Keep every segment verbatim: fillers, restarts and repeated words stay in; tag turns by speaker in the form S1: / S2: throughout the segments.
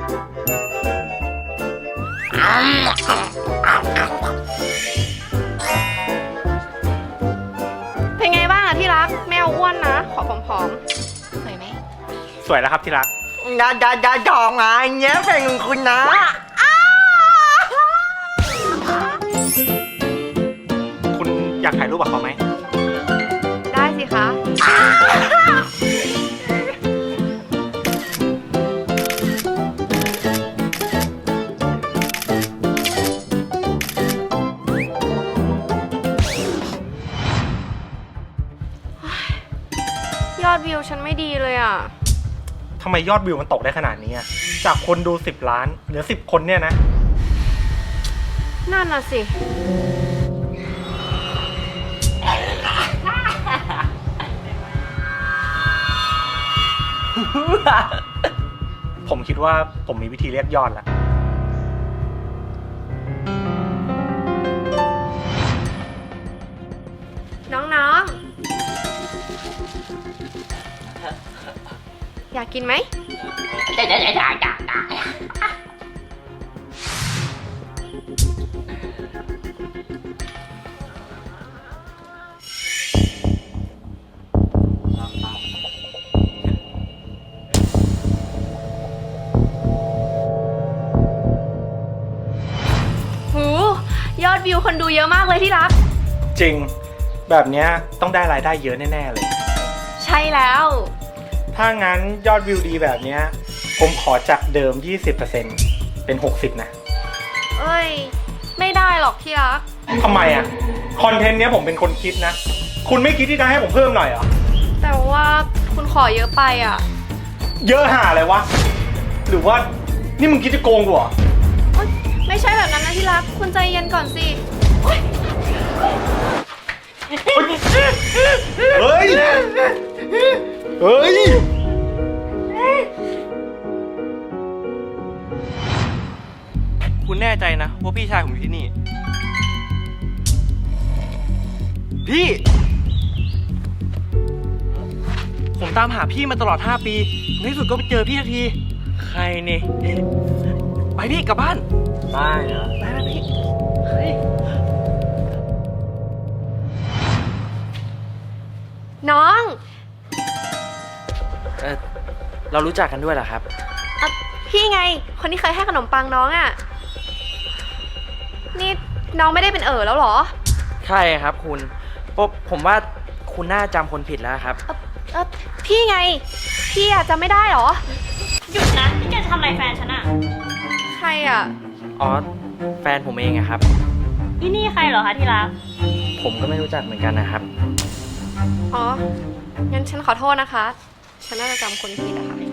S1: เป็นไงบ้างอะที่รักไม่เอาอ้วนนะขอผอมๆสวยไหม
S2: สวยแล้วครับที่รัก
S3: ดาดาดาดองไงเนี้ยเพลงของคุณนะ
S2: คุณอยากถ่ายรูปกับเขาไหม
S1: ได้สิคะยอดวิวฉันไม่ดีเลยอ่ะ
S2: ทำไมยอดวิวมันตกได้ขนาดนี้อ่ะจากคนดูสิบล้านเหลือสิบคนเนี่ยนะ
S1: นั่นน่ะสิ
S2: ผมคิดว่าผมมีวิธีเรียกยอดแล้ว
S1: น้องๆอยากกินไหม
S3: ได้ได้ได้ได้ได้
S1: หูยอดวิวคนดูเยอะมากเลยที่รัก
S2: จริงแบบนี้ต้องได้รายได้เยอะแน่ๆเลย
S1: ใช่แล้ว
S2: ถ้างั้นยอดวิวดีแบบนี้ผมขอจากเดิม ยี่สิบเปอร์เซ็นต์ เป็น หกสิบนะ
S1: เอ้ยไม่ได้หรอกที่รัก
S2: ทำไมอ่ะคอนเทนต์เนี้ยผมเป็นคนคิดนะคุณไม่คิดที่จะให้ผมเพิ่มหน่อยเหรอ
S1: แต่ว่าคุณขอเยอะไปอ่ะ
S2: เยอะห่าอะไรวะหรือว่านี่มึงคิดจะโกงกูเหรอ
S1: ไม่ใช่แบบนั้นนะที่รักคุณใจเย็นก่อนสิ
S2: เฮ้ยเฮ้ย
S4: คุณแน่ใจนะว่าพี่ชายผมอยู่ที่นี่พี่ผมตามหาพี่มาตลอดห้าปีในที่สุดก็ไปเจอพี่ทันทีใครเนี่ยไปพี่กลับบ้าน
S2: ได้เหรอ
S4: ไปนะพี่เฮ้ย
S1: น้อง
S4: เออเรารู้จักกันด้วยเหรอครับ
S1: พี่ไงคนที่เคยให้ขนมปังน้องอ่ะนี่น้องไม่ได้เป็นเอ๋อแล้วหรอ
S4: ใช่ครับคุณผมว่าคุณน่าจำคนผิดแล้วครับ
S1: เออเออพี่ไงพี่อะจำไม่ได้หรอ
S5: หยุดนะนี่แกจะทำอะไรแฟนฉันอะ
S1: ใครอะ
S4: อ๋อแฟนผมเองอะครับ
S5: อีนี่ใครเหรอคะที่รัก
S4: ผมก็ไม่รู้จักเหมือนกันนะครับ
S1: อ๋องั้นฉันขอโทษนะคะฉันน่าจะจำคนผิดอะค่ะ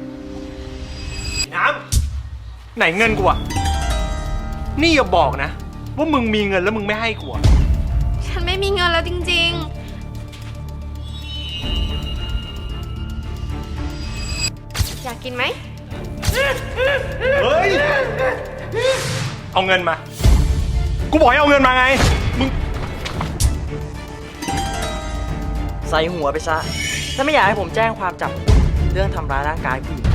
S2: น้ำไหนเงินกูอะนี่อย่าบอกนะว่ามึงมีเงินแล้วมึงไม่ให้กูอะ
S1: ฉันไม่มีเงินแล้วจริงๆอยากกินไหม
S2: เฮ้ยเอาเงินมากูบอกให้เอาเงินมาไงมึง
S4: ใส่หัวไปซะถ้าไม่อยากให้ผมแจ้งความจับเรื่องทำร้ายร่างกายผู้หญิง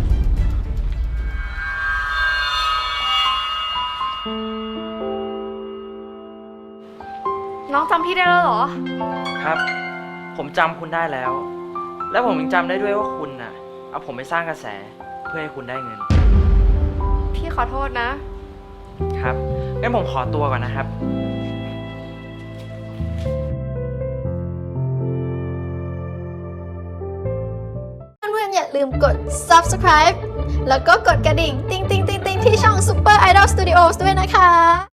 S1: น้องจำพี่ได้แล้วเหรอ
S4: ครับผมจำคุณได้แล้วและผมยังจำได้ด้วยว่าคุณน่ะเอาผมไปสร้างกระแสเพื่อให้คุณได้เงิน
S1: พี่ขอโทษนะครับ
S4: งั้นผมขอตัวก่อนนะครับ
S6: เพื่อนๆอย่าลืมกด ซับสไครบ์ แล้วก็กดกระดิ่ง ติ๊งติ๊งติ๊งติ๊งที่ช่อง Super Idol Studios ด้วยนะคะ